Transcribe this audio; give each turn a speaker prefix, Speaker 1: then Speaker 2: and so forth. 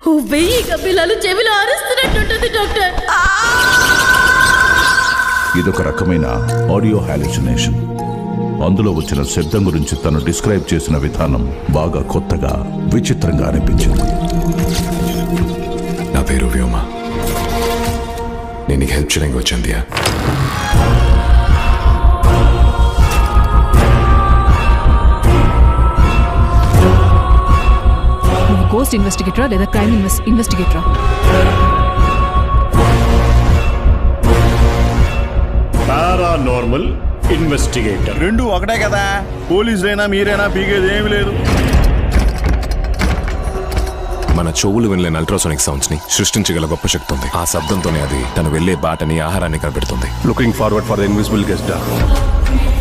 Speaker 1: 1000 కపిలాలు చెవిలో అరుస్తున్నట్టుంటుంది డాక్టర్.
Speaker 2: ఇదొక రకమైన ఆడియో హాలుసినేషన్. అందులో వచ్చిన శబ్దం గురించి తను డిస్క్రైబ్ చేసిన విధానం బాగా కొత్తగా, విచిత్రంగా అనిపించింది.
Speaker 3: నా పేరు వ్యోమ. నేను నీకు హెల్ప్ చేయడానికి వచ్చింది.
Speaker 4: నువ్వు గోస్ట్ ఇన్వెస్టిగేటరా లేదా క్రైమ్ ఇన్వెస్టిగేటరా?
Speaker 5: Paranormal investigator.
Speaker 6: రెండు ఒకటే కదా. పోలీసులైనా మీరైనా పీకేది ఏమీ లేదు.
Speaker 3: మన చెవులు వినలేని అల్ట్రాసోనిక్ సౌండ్స్ ని సృష్టించగల గొప్ప శక్తి ఉంది. ఆ శబ్దంతోనే అది తను వెళ్లే బాటని, ఆహారాన్ని కనిపెడుతుంది.
Speaker 5: Looking forward for the invisible guest.